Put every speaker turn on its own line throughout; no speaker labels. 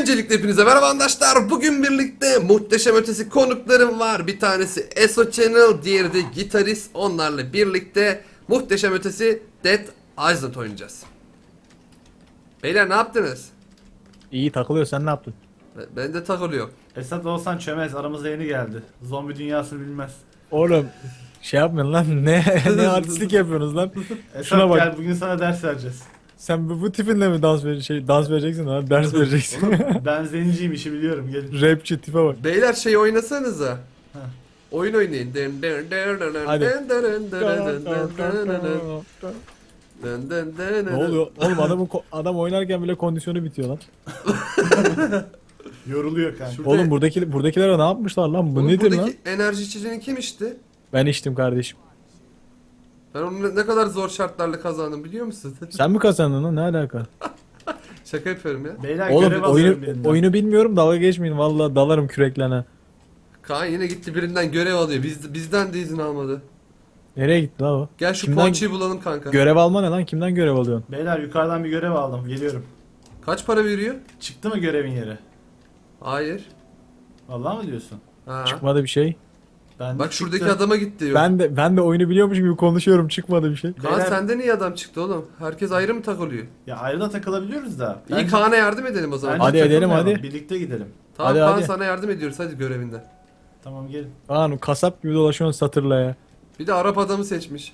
Öncelikle hepinize merhaba arkadaşlar. Bugün birlikte muhteşem ötesi konuklarım var. Bir tanesi Eso Channel, diğeri de Gitarist. Onlarla birlikte muhteşem ötesi Dead Island oynayacağız. Beyler ne yaptınız?
İyi takılıyor, sen ne yaptın?
Ben de takılıyor.
Esat olsan çömez, aramızda yeni geldi. Zombi dünyasını bilmez.
Oğlum şey yapmayın lan, ne artistlik yapıyorsunuz lan?
Esat
Şuna bak.
gel, bugün sana ders vereceğiz.
Sen bu tipinle mi dans vereceksin lan? Ders vereceksin.
Ben zenciyim, işi biliyorum, gelin.
Rapçi tipe bak.
Beyler şey oynasanıza.
Heh.
Oyun oynayın.
Hadi. Ne oluyor? Oğlum adam oynarken bile kondisyonu bitiyor lan.
Yoruluyor kanka.
Şurada-
Oğlum buradakilere ne yapmışlar lan? Bu
Oğlum,
nedir lan?
buradaki enerji içeceğini kim içti?
Ben içtim kardeşim.
Ben onu ne kadar zor şartlarla kazandım biliyor musun?
Sen mi kazandın lan? Ne alaka?
Şaka yapıyorum ya.
Beyler
Oğlum
görev alıyorum birinden.
oyunu bilmiyorum, dalga geçmeyin, vallahi dalarım küreklerine.
Kaan yine gitti birinden görev alıyor. Bizden de izin almadı.
Nereye gitti lan o?
Gel şu
Kimden-
ponçiyi bulalım kanka.
Görev alma ne lan? Kimden görev alıyorsun?
Beyler yukarıdan bir görev aldım, geliyorum.
Kaç para veriyor?
Çıktı mı görevin yeri?
Hayır.
Vallahi mı diyorsun?
Ha.
Çıkmadı bir şey.
Ben
Bak
çıktı.
şuradaki adama gitti diyor.
Ben de oyunu biliyormuş gibi konuşuyorum, çıkmadı bir şey.
Kaan
Beyler-
senden iyi adam çıktı oğlum. Herkes ayrı mı takılıyor?
Ya ayrı da takılabiliyoruz da.
İyi Kaan'a yardım edelim o zaman.
bence
Hadi edelim,
takılmayalım,
hadi.
Birlikte gidelim.
Tamam
Hadi,
Kaan
hadi.
sana yardım ediyoruz hadi görevinden.
Tamam gelin.
Kaan kasap gibi dolaşıyorsun satırla ya.
Bir de Arap adamı seçmiş.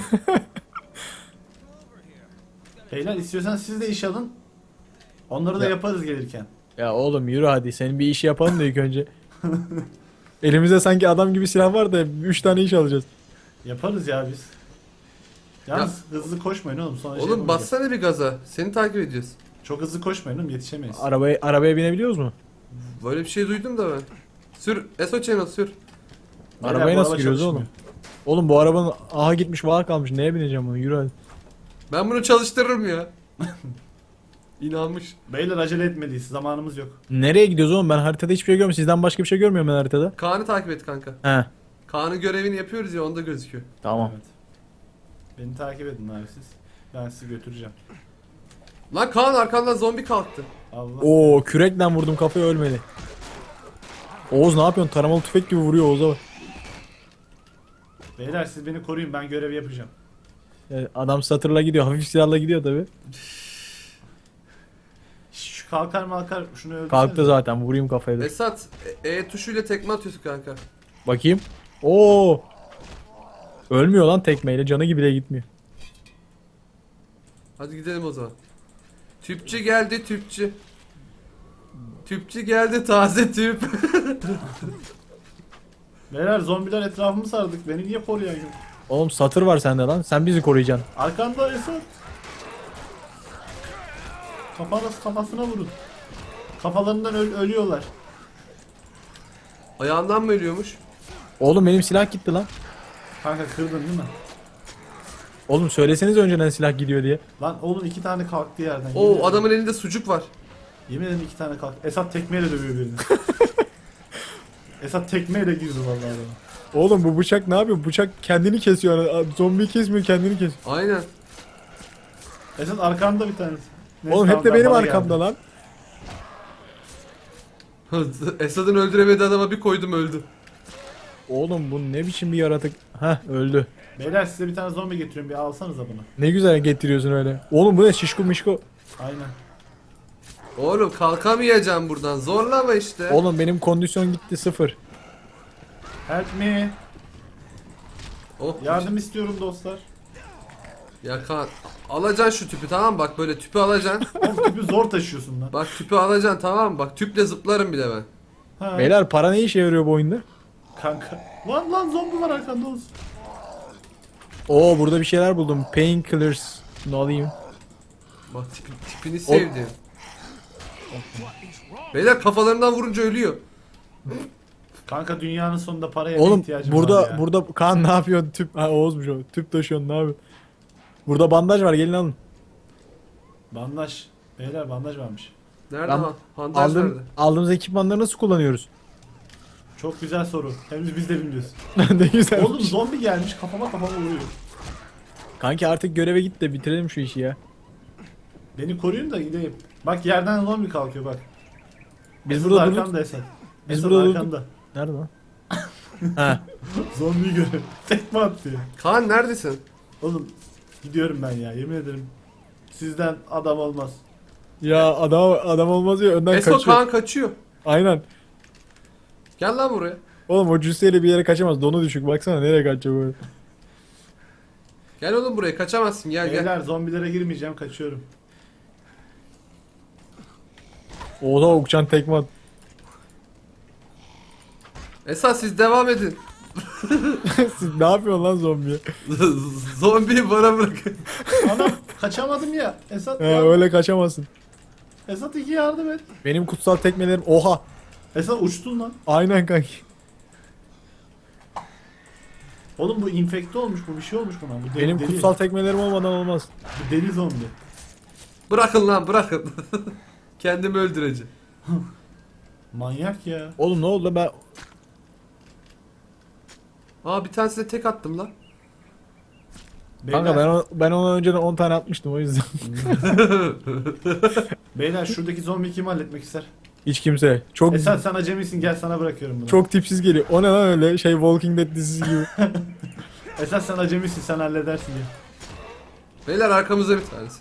Beyler istiyorsan siz de iş alın. Onları da
Ya.
yaparız gelirken.
Ya oğlum yürü hadi, senin bir işi yapalım da ilk önce. Elimizde sanki adam gibi silah var da 3 tane iş alacağız.
Yaparız ya biz. Yalnız hızlı koşmayın oğlum, sonra şey
Oğlum
yapamayacağız.
bassana bir gaza. Seni takip ediyoruz.
Çok hızlı koşmayın oğlum, yetişemeyiz.
Arabaya binebiliyoruz mu?
Böyle bir şey duydum da ben. Sür. Eso Channel sür.
Beyler,
Arabaya
bu
nasıl
araba
giriyoruz
çalışmıyor.
oğlum? Oğlum bu arabanın aha gitmiş var kalmış, neye bineceğim bunu, yürü hadi.
Ben bunu çalıştırırım ya. İnanmış.
Beyler acele etmeliyiz, zamanımız yok.
Nereye gidiyoruz oğlum, ben haritada hiçbir şey görmüyorum, sizden başka bir şey görmüyorum ben haritada.
Kaan'ı takip et kanka.
He
Kaan'ın görevini yapıyoruz ya onda gözüküyor.
tamam.
Evet. Beni takip edin abi siz. Ben sizi götüreceğim.
Lan Kaan arkandan zombi kalktı.
Allah.
Oo kürekle vurdum, kafaya ölmedi. Oğuz ne yapıyorsun, taramalı tüfek gibi vuruyor Oğuz'a bak.
Beyler siz beni koruyun, ben görev yapacağım.
Adam satırla gidiyor, hafif silahla gidiyor tabi.
Şu kalkar malkar şunu öldürsene.
Kalktı zaten, vurayım kafaya da.
Esat tuşuyla tekme atıyorsun kanka.
Bakayım. Oo. Ölmüyor lan tekmeyle, canı gibi de gitmiyor.
Hadi gidelim o zaman. Tüpçü geldi tüpçü. Tüpçü geldi taze tüp.
Beyler zombiler etrafımı sardık. Beni niye koruyorsun?
Oğlum satır var sende lan, sen bizi koruyacaksın.
Arkanda Esat. Kafasına vurun. Kafalarından ölüyorlar.
Ayağından mı ölüyormuş?
Oğlum benim silah gitti lan.
Kanka kırdın değil mi?
Oğlum söyleseniz önceden silah gidiyor diye.
Lan oğlum 2 tane kalktı yerden. Yemin
Oo
ederim.
adamın elinde sucuk var.
Yemin ederim 2 tane kalktı. Esat tekmeyle dövüyor birini. Esat tekmeyle girdi vallahi adama.
Oğlum bu bıçak ne yapıyor? Bıçak kendini kesiyor. Zombiyi kesmiyor, kendini kesiyor.
Aynen.
Esat arkanda bir tanesi. Neyse,
Oğlum hep
tamam,
de benim
bana
arkamda
geldi.
lan.
Esad'ın öldüremediği adama bir koydum öldü.
Oğlum bu ne biçim bir yaratık. Heh öldü.
Beyler size bir tane zombi getiriyorum, bir alsanıza bunu.
Ne güzel getiriyorsun öyle. Oğlum bu ne, şişko mişko.
Aynen.
Oğlum kalkamayacağım buradan. Zorlama işte.
Oğlum benim kondisyon gitti, 0.
Help me.
Oh,
Yardım istiyorum dostlar.
Ya Kaan alacaksın şu tüpü tamam mı? Bak böyle tüpü alacaksın.
Oğlum tüpü zor taşıyorsun lan.
Bak tüpü alacaksın tamam mı? Bak tüple zıplarım bile ben.
Ha,
Beyler para ne işe yarıyor bu oyunda?
kanka. Lan zombi var arkanda olsun.
Oo burada bir şeyler buldum. Painkillers. Ne alayım?
Bak tipini sevdim. Beyler kafalarından vurunca ölüyor.
Kanka dünyanın sonunda paraya
Oğlum
ihtiyacım var ya.
burada Kaan ne yapıyorsun? Tüp ha Oğuz'muş o. Tüp taşıyorsun, ne yapıyorsun? Burada bandaj var, gelin alın.
Bandaj. Beyler bandaj varmış.
Nerede
Ben
lan? Bandaj nerede?
Aldığımız ekipmanları nasıl kullanıyoruz?
Çok güzel soru. Henüz biz de bilmiyoruz.
Ne güzel.
Oğlum zombi gelmiş kafama vuruyor.
Kanki artık göreve git de bitirelim şu işi ya.
Beni koruyun da gideyim. Bak yerden zombi kalkıyor bak.
Biz
Esat
burada durduk.
arkanda Esat.
Biz
Esat
burada
arkanda.
Nerede lan? He.
Zombiyi görüyorum. Tekme attı ya.
Kaan neredesin?
Oğlum gidiyorum ben ya yemin ederim. Sizden adam olmaz.
Ya adam olmaz ya önden
Eso
kaçıyor.
Kaan kaçıyor.
Aynen.
Gel lan buraya.
Oğlum o cüsseyle bir yere kaçamaz. Donu düşük. Baksana nereye kaçacak böyle.
Gel oğlum buraya, kaçamazsın, gel gel.
Beyler zombilere girmeyeceğim kaçıyorum.
Oha uçan tekme at.
Esat siz devam edin.
Siz ne yapıyorsun lan zombiye?
Zombiyi bana bırakın.
Anam kaçamadım ya. Esat
He
yardım.
öyle kaçamazsın.
Esat iki yardım et.
Benim kutsal tekmelerim oha.
Esat uçtun lan.
Aynen kanki.
Oğlum bu infekte olmuş bu bir şey olmuş buna. Bu deli,
Benim
deli.
kutsal tekmelerim olmadan olmaz.
Bu deli zombi.
Bırakın lan, bırakın. Kendimi öldüreceğim.
Manyak ya.
Oğlum ne oldu ben
Aa, bir tanesine tek attım lan.
kanka ben ona önceden 10 tane atmıştım o yüzden.
Beyler şuradaki zombi kim halletmek ister?
Hiç kimse. Çok
Esat sen acemisin gel sana bırakıyorum bunu.
çok tipsiz geliyor. O ne lan öyle şey Walking Dead dizisi gibi.
Esat sen acemisin sen halledersin diye.
Beyler arkamızda bir tanesi.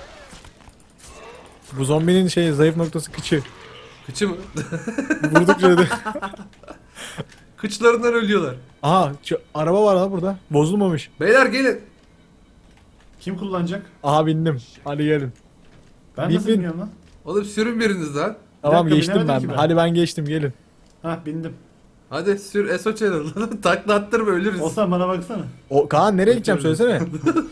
Bu zombinin şey zayıf noktası kıçı.
Kıçı mı?
Vurdukça da.
Kıçlarından ölüyorlar.
Aha araba var lan burada. Bozulmamış.
Beyler gelin.
Kim kullanacak?
Aha bindim. Hadi gelin.
Ben
Bin,
nasıl
bin.
biniyorum lan?
Oğlum sürün biriniz lan.
Tamam
dakika,
geçtim
binemedim
ben.
ki ben.
Hadi ben geçtim gelin.
Hah bindim.
Hadi sür Eso Channel. Takla attırma, ölürüz.
Olsan bana baksana.
O Kaan nereye gideceğim söylesene.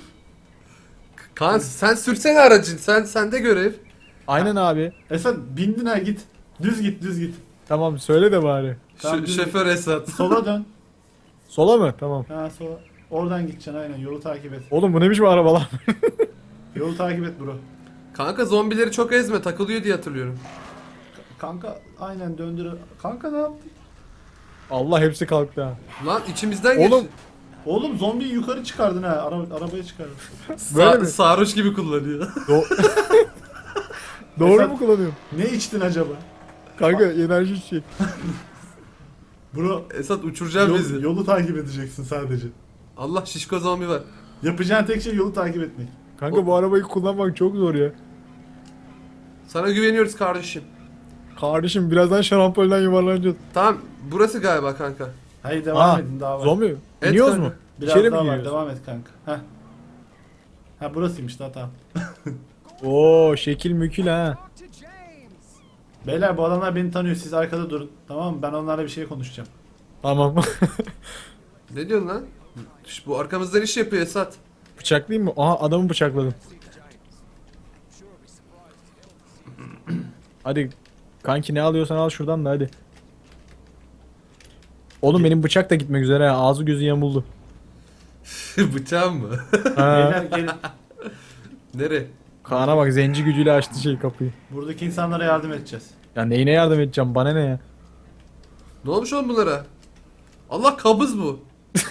Kaan sen sürsene aracın. Sende görev.
Aynen abi.
Esat bindin ha git. Düz git düz git.
Tamam söyle de bari.
Tamam, düz
Şoför Esat.
Sola dön.
Sola mı? Tamam.
Ha sola. Oradan gideceksin aynen yolu takip et.
Oğlum bu ne biçim araba lan?
Yolu takip et bro.
Kanka zombileri çok ezme, takılıyor diye hatırlıyorum.
Kanka aynen döndür. Kanka ne yaptın?
Allah hepsi kalktı ha.
Lan içimizden geç.
Oğlum
Oğlum zombiyi yukarı çıkardın ha. Arabaya çıkardın.
böyle mi?
Sarhoş gibi kullanıyor.
Doğru
Esat-
mu kullanıyorum?
Ne içtin acaba?
Kanka enerji içecek.
Bro
Esat uçuracağım bizi.
yolu takip edeceksin sadece.
Allah, şişko zombi var.
Yapacağın tek şey yolu takip etmek.
Kanka bu arabayı kullanmak çok zor ya.
Sana güveniyoruz kardeşim.
Kardeşim birazdan şarampolden yuvarlanacağız.
Tamam, burası galiba kanka.
Hayır devam
Aa,
edin daha var.
zombi.
Et
İniyoruz
kanka.
mu?
Biraz
İçeri mi
daha var
giriyoruz?
devam et kanka. Heh. Ha burasıymış daha tamam.
Oo şekil mükül ha.
Beyler bu adamlar beni tanıyor siz arkada durun. Tamam mı? Ben onlarla bir şey konuşacağım.
Tamam.
Ne diyorsun lan? Bu arkamızdan iş yapıyor Esat.
Bıçaklayayım mı? Aha adamı bıçakladım. Hadi kanki ne alıyorsan al şuradan da hadi. Oğlum benim bıçak da gitmek üzere ha. Ağzı gözü yamuldu.
Bıçağım mı?
Ha.
Beyler gelin.
Nereye?
Kaan'a bak zenci gücüyle açtı şey kapıyı.
Buradaki insanlara yardım edeceğiz.
Ya neyine yardım edeceğim bana ne ya?
Ne olmuş oğlum bunlara? Allah, kabız bu.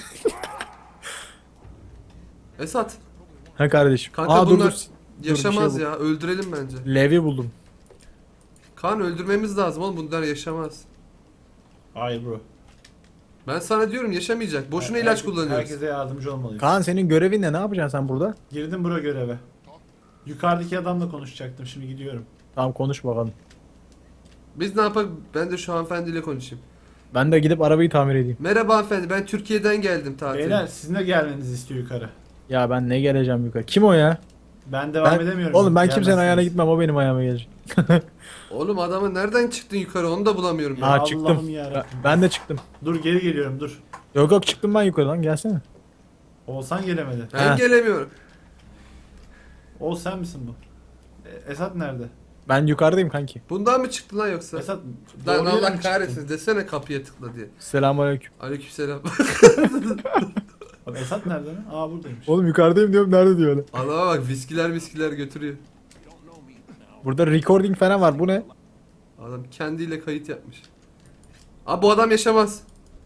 Esat.
Ha kardeşim.
Kanka bunlar
bir
yaşamaz
şey
ya. Öldürelim bence.
Levi buldum.
Kaan öldürmemiz lazım oğlum, bunlar yaşamaz.
Hayır bro.
Ben sana diyorum yaşamayacak. Boşuna ilaç
Herkes-
kullanıyoruz.
Herkese yardımcı olmalıyız.
Kaan senin görevin ne? Ne yapacaksın sen burada?
Girdim bro göreve. Yukarıdaki adamla konuşacaktım şimdi gidiyorum.
Tamam konuş bakalım.
Biz ne yapalım? Ben de şu hanımefendiyle konuşayım.
Ben de gidip arabayı tamir edeyim.
Merhaba hanımefendi, ben Türkiye'den geldim tatile.
Beyler sizin de gelmenizi istiyor yukarı.
Ya ben ne geleceğim yukarı? Kim o ya?
Ben devam
Ben,
edemiyorum.
oğlum ben kimsenin
Gelmezsiniz.
ayağına gitmem. O benim ayağıma gelecek.
Oğlum adamı nereden çıktın yukarı, onu da bulamıyorum ya.
Ha
Allah'ım
çıktım.
yarabbim.
Ben de çıktım.
Dur geri geliyorum dur.
Yok yok çıktım ben yukarı lan gelsene.
Oğuzhan gelemedi.
Ben
Ha.
gelemiyorum.
Oğuz sen misin bu? Esat nerede?
Ben yukarıdayım kanki.
Bundan mı çıktı lan yoksa?
Esat
Lan
doğru yere mi
Allah
çıktın?
kahretsin desene, kapıya tıkla diye.
Selamünaleyküm.
Aleykümselam.
Bak Esat nerede lan? Aa buradaymış.
Oğlum yukarıdayım diyorum nerede diyor öyle.
Adama bak, viskiler götürüyor.
Burada recording falan var bu ne?
Adam kendiyle kayıt yapmış. Abi bu adam yaşamaz.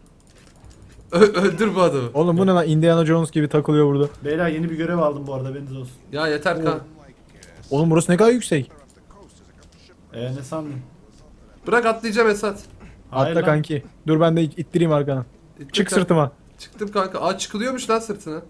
Öldür bu adamı.
Oğlum bu ne lan Indiana Jones gibi takılıyor burada.
Beyler yeni bir görev aldım bu arada haberiniz olsun.
Ya yeter kan.
Oğlum burası ne kadar yüksek.
Ne sandın?
Bırak atlayacağım Esat.
Hayır
Atla
lan.
kanki. Dur ben de ittireyim arkadan.
İttim
Çık
kanka.
sırtıma.
Çıktım kanka. Aa çıkılıyormuş lan sırtına.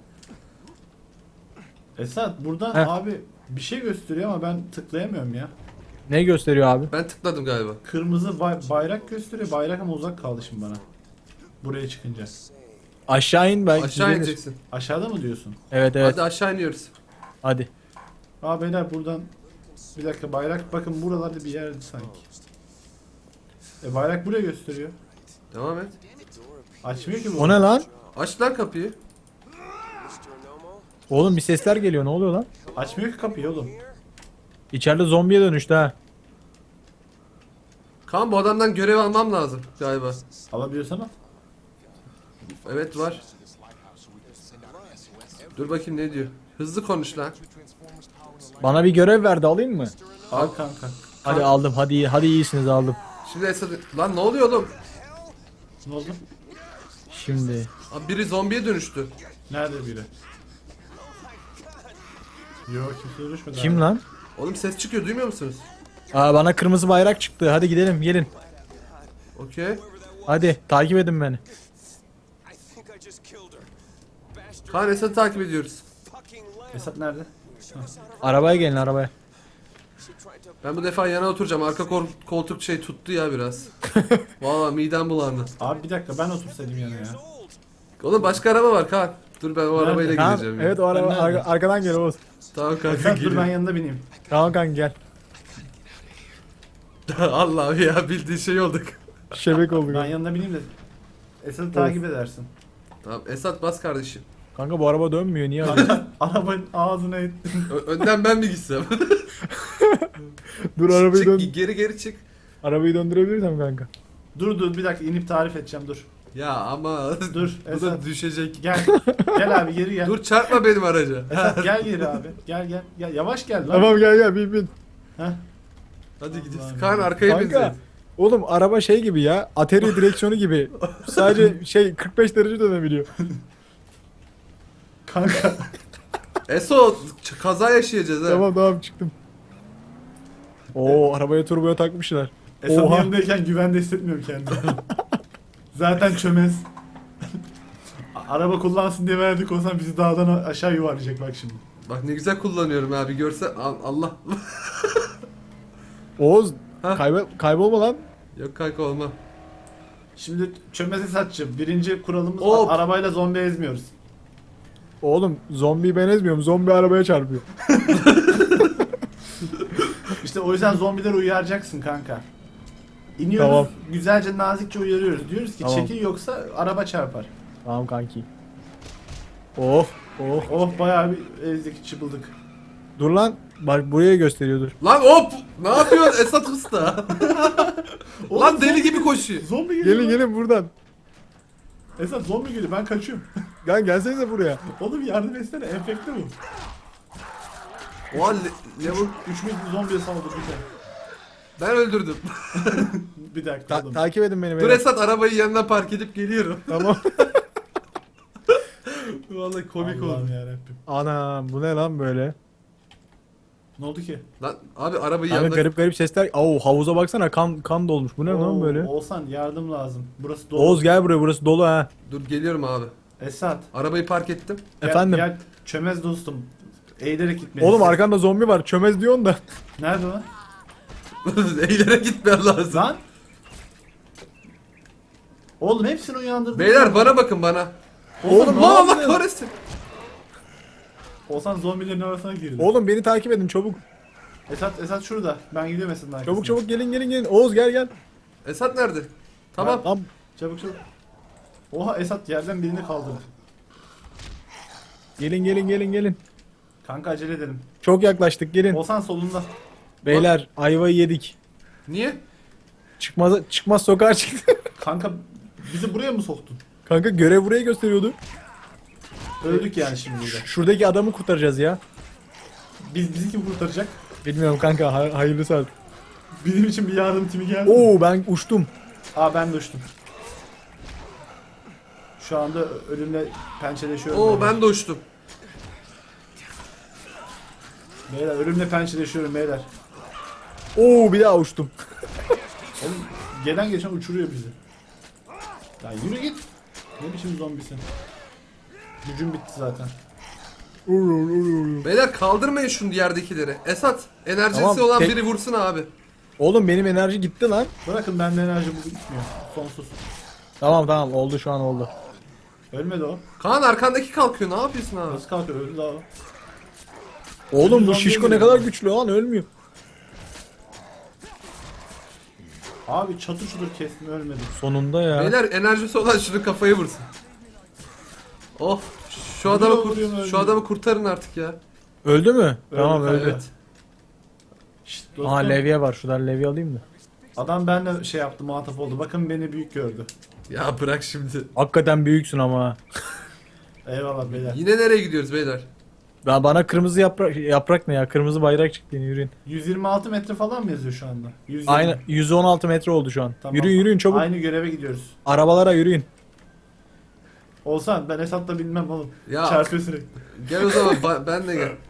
Esat buradan
Heh.
abi bir şey gösteriyor ama ben tıklayamıyorum ya.
Ne gösteriyor abi?
Ben tıkladım galiba.
Kırmızı bayrak gösteriyor. Bayrak ama uzak kaldı şimdi bana. Buraya çıkınca.
Aşağı in belki.
Aşağı
düzelir.
ineceksin.
Aşağıda mı diyorsun?
Evet evet.
Hadi aşağı iniyoruz.
Hadi.
Aa beyler buradan bir dakika bayrak bakın buralarda bir yerdi sanki. Bayrak buraya gösteriyor.
Devam et.
Açmıyor ki bu.
O ne lan?
Aç lan kapıyı.
Oğlum bir sesler geliyor. Ne oluyor lan?
Açmıyor ki kapıyı oğlum.
İçeride zombiye dönüştü ha.
Kaan bu adamdan görev almam lazım galiba.
Alabiliyorsan al.
Evet var. Dur bakayım ne diyor. Hızlı konuş lan.
Bana bir görev verdi, alayım mı?
Al kanka.
Hadi aldım. Hadi iyisiniz, aldım.
Şimdi Esat... Lan ne oluyor oğlum?
Ne oldu?
Şimdi.
Abi biri zombiye dönüştü.
Nerede biri? Yok kimse düşmedi.
Kim
abi.
lan?
Oğlum ses çıkıyor duymuyor musunuz?
Aa, bana kırmızı bayrak çıktı. Hadi gidelim, gelin.
Okey.
Hadi takip edin beni.
Kaan Esat'ı takip ediyoruz.
Esat nerede?
Arabaya gelin, arabaya.
Ben bu defa yana oturacağım. Arka koltuk şey tuttu ya biraz. Vallahi midem bulandı.
Abi bir dakika ben otursaydım yana ya.
Oğlum başka araba var Kaan. Dur ben o
Nerede?
arabayla
Tamam,
gideceğim. ya.
evet o araba
Ben nerede?
arkadan gel Oğuz.
Tamam kanka
Esat dur ben
geliyorum.
yanında bineyim.
Tamam kanka gel.
Allah ya bildiğin şey olduk.
Şebek olduk.
Ben yanında bineyim de Esat'ı takip edersin.
Tamam Esat bas kardeşim.
Kanka bu araba dönmüyor, niye öyle?
Kanka arabanın ağzına ettim.
Önden ben mi gitsem?
Dur arabayı dön.
Çık geri çık.
Arabayı döndürebilirsem kanka.
Dur bir dakika inip tarif edeceğim dur.
Ya ama
Dur
bu da
Esat
düşecek.
gel abi geri gel.
Dur çarpma benim araca.
Esat gel geri abi. Gel yavaş gel lan.
Tamam gel bin.
Heh.
Hadi gidiyoruz.
Allah'ım
Kaan
ya.
arkaya
Kanka.
binecek.
Oğlum araba şey gibi ya. Atari direksiyonu gibi. Sadece şey 45 derece dönebiliyor.
Kanka.
Eso kaza yaşayacağız ha.
Tamam çıktım. Oo, arabaya turboya takmışlar.
Esat'ın
Oha.
yanındayken güvende hissetmiyorum kendimi. Zaten çömez. Araba kullansın diye verdik olsan bizi dağdan aşağı yuvarlayacak bak şimdi.
Bak ne güzel kullanıyorum abi görse Allah.
Oğuz
Ha?
kaybolma lan.
Yok kanka olma.
Şimdi çömez Esat'cığım birinci kuralımız
Hop.
arabayla zombi ezmiyoruz.
Oğlum zombiyi ben ezmiyorum. Zombi arabaya çarpıyor.
İşte o yüzden zombileri uyaracaksın kanka. İniyoruz
Tamam.
güzelce nazikçe uyarıyoruz. Diyoruz ki
Tamam.
çekil yoksa araba çarpar.
Tamam kanki. Oh.
Oh bayağı bir ezdik çıbıldık.
Dur lan. Bak buraya gösteriyordur.
Lan hop! Ne yapıyorsun Esat Usta? Lan deli gibi koşuyor.
Zombi geliyor.
Gelin buradan.
Esat zombi geliyor ben kaçıyorum.
Lan gelsenize buraya.
Oğlum yardım etsene enfekte bu.
Oha lavuk
3000 zombiye saldırdı bir de.
ben öldürdüm.
Bir dakika oğlum.
Takip edin beni.
Dur
beyler.
Esat arabayı yanına park edip geliyorum.
Tamam.
Vallahi komik
Allah'ım
oldu.
yarabbim.
Ana bu ne lan böyle?
Ne oldu ki?
Lan abi arabayı
Yani
yanına...
garip sesler. Oo, havuza baksana, kan dolmuş. Bu ne lan
Oo,
böyle?
Oğuzhan yardım lazım. Burası dolu.
Oğuz gel buraya, burası dolu ha.
Dur geliyorum abi.
Esat.
Arabayı park ettim.
Gel,
Efendim?
Gel çömez dostum. Eğilerek gitmelisin.
Oğlum arkanda zombi var. Çömez diyorsun da.
Nerede lan?
Eğlere gitmem lazım.
Lan? Oğlum hepsini uyandırdın.
Beyler bana bakın bana.
Oğlum,
ne
Lan Allah
yapıyorsun?
kahretsin.
Oğuzhan zombilerin arasına girdi.
Oğlum beni takip edin çabuk.
Esat şurada. Ben gidiyorum Esat'ın arkasına.
Çabuk gelin. Oğuz gel.
Esat nerede? Tamam.
Tamam.
Çabuk. Oha Esat yerden birini kaldırdı.
Gelin.
Kanka acele edelim.
Çok yaklaştık, gelin.
Oğuzhan solunda.
Beyler ayvayı yedik.
Niye?
Çıkmaz sokağa çıktı.
Kanka bizi buraya mı soktun?
Kanka görev burayı gösteriyordu.
Öldük yani şimdi burada.
Şuradaki adamı kurtaracağız ya.
Bizi kim kurtaracak?
Bilmiyorum kanka, hayırlısı artık.
Bizim için bir yardım timi geldi.
Oo, ben uçtum.
Aa ben de uçtum. Şu anda ölümle pençeleşiyorum.
Oo ben de uçtum.
Beyler ölümle pençeleşiyorum beyler.
Oo, bir daha uçtum.
Oğlum gelen geçen uçuruyor bizi. Ya yürü git. Ne biçim zombisin? Gücüm bitti zaten.
Beyler kaldırmayın şunu yerdekileri. Esat enerjisi
Tamam,
olan
tek-
biri vursun abi.
Oğlum benim enerji gitti lan.
Bırakın bende enerji bugün gitmiyor. Sonsuz.
Tamam oldu şu an oldu.
Ölmedi o.
Kaan arkandaki kalkıyor, ne yapıyorsun abi?
Nasıl kalkıyor? Öldü daha o.
Oğlum bu
Zombi
şişko ne
geliyor.
kadar güçlü lan ölmüyor.
Abi çatır çutur kestim ölmedi.
Sonunda ya.
Beyler enerjisi olan şunu kafayı vursun. Oh şu
Vuruyor,
adamı
vuruyor,
şu
ölmüyor.
adamı kurtarın artık ya.
Öldü mü? Tamam
kanka.
öldü.
Evet.
Şşt dostum.
Aa levye var. Şuradan levye alayım da.
Adam benimle şey yaptı, muhatap oldu. Bakın beni büyük gördü.
Ya bırak şimdi.
Hakikaten büyüksün ama.
Eyvallah beyler.
Yine nereye gidiyoruz beyler?
Ya bana kırmızı yaprak ne ya? Kırmızı bayrak çıktı yine yürüyün.
126 metre falan mı yazıyor şu anda? 120.
Aynen 116 metre oldu şu an.
Tamam.
Yürüyün çabuk.
Aynı göreve gidiyoruz.
Arabalara yürüyün.
Olsan ben Esat'la bilmem oğlum.
Ya.
Çarpıyor sürekli.
Gel o zaman ben de gel.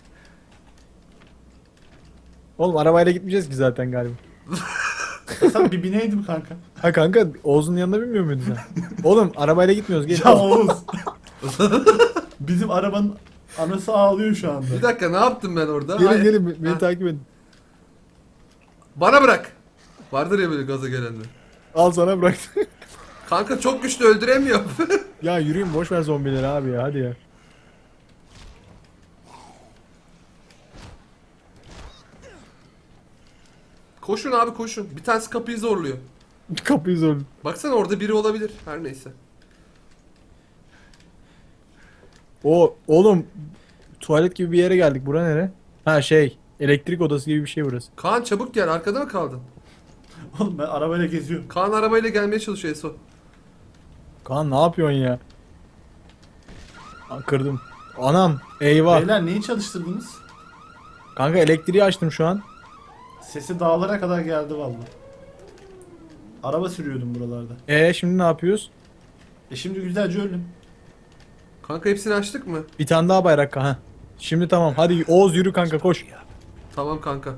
Oğlum arabayla gitmeyeceğiz ki zaten galiba.
Esat bir bineydim kanka.
Ha kanka Oğuz'un yanına binmiyor muydun sen? Oğlum arabayla gitmiyoruz. Gel.
Ya Oğuz. Bizim arabanın anası ağlıyor şu anda.
Bir dakika ne yaptım ben orada?
Gelin
Hayır.
gelin beni
Ha.
takip edin.
Bana bırak. Vardır ya böyle gaza gelenler.
Al sana bıraktım.
Kanka çok güçlü öldüremiyor.
Ya yürüyün boş ver zombileri abi ya hadi ya.
Koşun abi koşun. Bir tanesi kapıyı zorluyor.
Kapıyı zor.
Baksana orada biri olabilir. Her neyse.
Oğlum tuvalet gibi bir yere geldik. Bura nere? Ha şey elektrik odası gibi bir şey burası.
Kaan çabuk gel. Arkada mı kaldın?
Oğlum ben arabayla geziyorum.
Kaan arabayla gelmeye çalışıyor Eso.
Kaan ne yapıyorsun ya? Aa, kırdım. Anam eyvah.
Beyler neyi çalıştırdınız?
Kanka elektriği açtım şu an.
Sesi dağlara kadar geldi vallahi. Araba sürüyordum buralarda.
Şimdi ne yapıyoruz?
Şimdi güzelce öldüm.
Kanka hepsini açtık mı?
Bir tane daha bayrak ha. Şimdi tamam. Hadi Oğuz yürü kanka koş.
Tamam kanka.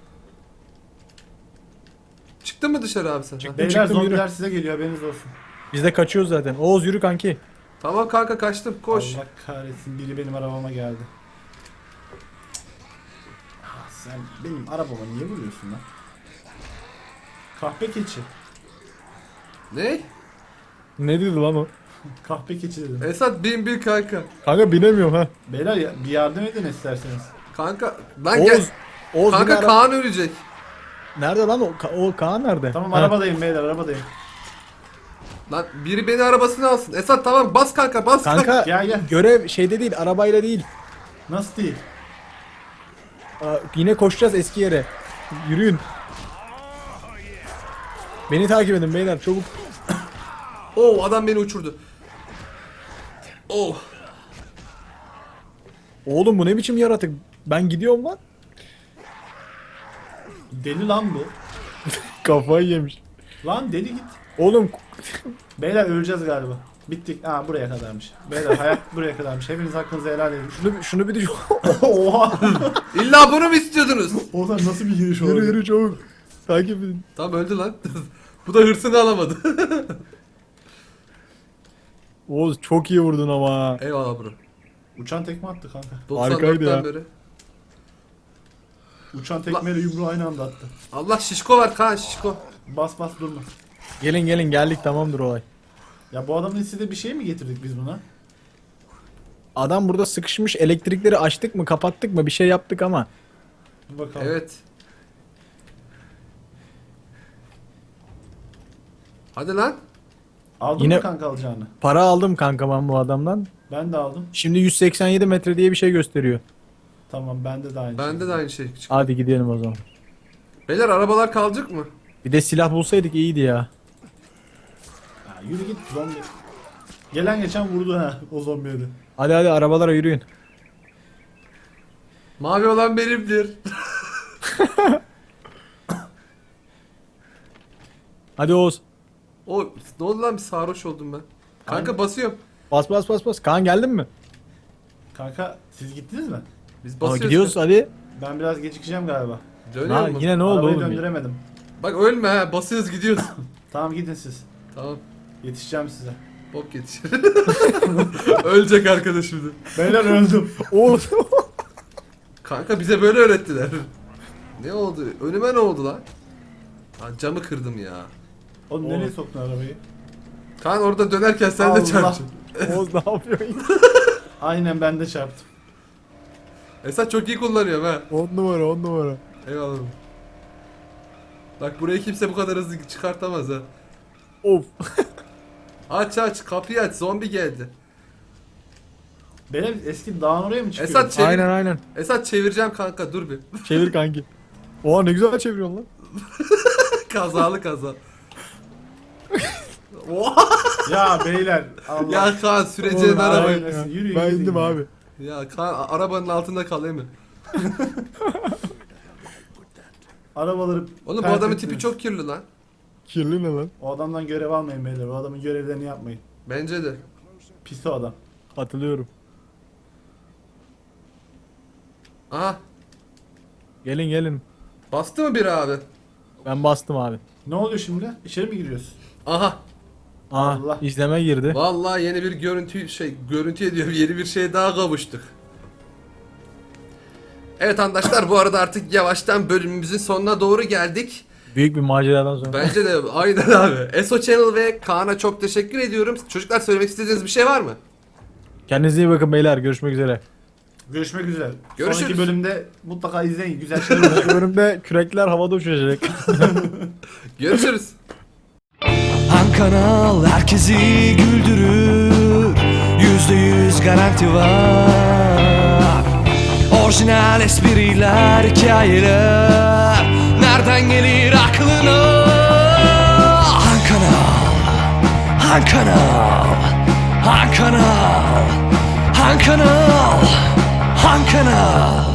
Çıktın mı dışarı abi sen? Ha.
Beyler
çıktım,
zombiler
yürü.
size geliyor haberiniz olsun.
Biz de kaçıyoruz zaten. Oğuz yürü kanki.
Tamam kanka kaçtım. Koş.
Allah kahretsin biri benim arabama geldi. Sen benim arabama niye vuruyorsun lan? Kahpe keçi.
Ne?
Ne dedi lan o?
Kahpe keçi dedim.
Esat bin bir kanka.
Kanka binemiyorum ha.
Beyler bir yardım edin isterseniz.
Kanka lan gel.
Oğuz
Kanka
yine
Kaan ölecek.
Nerede lan o? O Kaan nerede?
Tamam
Ha.
arabadayım beyler arabadayım.
Lan biri beni arabasına alsın. Esat tamam bas kanka bas.
Kanka
Gel gel.
görev şeyde değil arabayla değil.
Nasıl değil?
Yine koşacağız eski yere. Yürüyün. Beni takip edin beyler çabuk.
Oo adam beni uçurdu. Oh.
Oğlum bu ne biçim yaratık? Ben gidiyorum lan.
Deli lan bu.
Kafayı yemiş.
Lan deli git.
Oğlum
Beyler öleceğiz galiba. Bittik. Aa buraya kadarmış. Beyler hayat buraya kadarmış. Hepiniz hakkınızı helal edin.
şunu bir düşün.
Oha.
İlla bunu mu istiyordunuz?
Oğlum nasıl bir giriş oldu?
Yürü yürü çabuk. Takip edin.
Tamam öldü lan. Bu da hırsını alamadı.
Oğuz çok iyi vurdun ama.
Eyvallah bro.
Uçan tekme attı kanka.
Harikaydı
94'ten
ya.
beri.
Uçan tekmeyle yumruğu aynı anda attı.
Allah şişko var Kaan şişko.
Bas bas durma.
Gelin geldik tamamdır olay.
Ya bu adamın istediği bir şey mi getirdik biz buna?
Adam burada sıkışmış elektrikleri açtık mı kapattık mı bir şey yaptık ama.
Bir bakalım.
Evet. Hadi lan.
Aldın
Yine-
mı kanka alacağını?
Para aldım kanka ben bu adamdan.
Ben de aldım.
Şimdi 187 metre diye bir şey gösteriyor.
Tamam bende de aynı
Bende
şey.
de aynı şey çıktı.
Hadi gidelim o zaman.
Beyler arabalar kalacak mı?
Bir de silah bulsaydık iyiydi ya.
Ya yürü git zombi. Gelen geçen vurdu ha o zombiye de.
Hadi arabalara yürüyün.
Mavi olan benimdir.
Hadi Oğuz.
O ne oldu lan bir sarhoş oldum ben. Kanka
Aynen.
basıyorum.
Bas. Kaan geldin mi?
Kanka siz gittiniz mi?
Biz
Aa,
basıyoruz.
gidiyoruz hadi.
Ben biraz gecikeceğim galiba.
Dönüyor
Ha,
mu?
yine ne oldu
Arabayı
oğlum?
döndüremedim.
Bak ölme ha, basıyoruz gidiyoruz.
Tamam gidin siz.
Tamam.
Yetişeceğim size.
Bok yetişir. Ölecek arkadaş şimdi.
Beyler öldüm.
Oğlum.
Kanka bize böyle öğrettiler. Ne oldu? Önüme ne oldu lan? Lan camı kırdım ya.
Oğlum nereye soktun arabayı?
Kan orada dönerken sen
Allah.
de çarptın.
Oğuz ne yapıyorsun?
Aynen ben de çarptım.
Esat çok iyi kullanıyor ha.
10 numara 10 numara.
Eyvallah. Bak burayı kimse bu kadar hızlı çıkartamaz ha.
Of.
Aç kapıyı aç, zombi geldi.
Benim eski dağın oraya mı çıkıyor?
Esat çevir.
Aynen.
Esat çevireceğim kanka, dur bir.
Çevir kanki. Oha ne güzel çeviriyorsun lan.
Kazalı kaza. Oha!
Ya beyler Allah.
Ya Kaan süreceğin
Oğlum,
arabayı.
aynen.
Ya,
Yürüyün,
ben
gidin
indim
ya.
abi.
Ya Kaan arabanın altında kalayım mı?
Arabaları
Oğlum bu
pert
adamın
ettiniz.
tipi çok kirli lan.
Kirli ne lan?
O adamdan görev almayın beyler. O adamın görevlerini yapmayın.
Bence de.
Pis o adam.
Hatırlıyorum.
Aha,
Gelin.
bastı mı biri abi?
Ben bastım abi.
Ne oluyor şimdi? İçeri mi giriyoruz?
Aha.
Aa
Allah.
izleme girdi.
Vallahi yeni bir görüntü ediyorum. Yeni bir şeye daha kavuştuk. Evet arkadaşlar, bu arada artık yavaştan bölümümüzün sonuna doğru geldik.
Büyük bir maceradan sonra.
Bence de aynen abi. ESO Channel ve Kaan'a çok teşekkür ediyorum. Çocuklar söylemek istediğiniz bir şey var mı?
Kendinize iyi bakın beyler. Görüşmek üzere.
Görüşmek üzere.
Görüşürüz.
Sonraki bölümde mutlaka izleyin. Güzel şeyler olacak.
Bu bölümde kürekler havada uçacak.
Görüşürüz.
Han Kanal herkesi güldürür, %100 garanti var. Orijinal espriler, hikayeler, nereden gelir aklına? Han Kanal, Han Kanal, Han Kanal, Han Kanal, Han Kanal.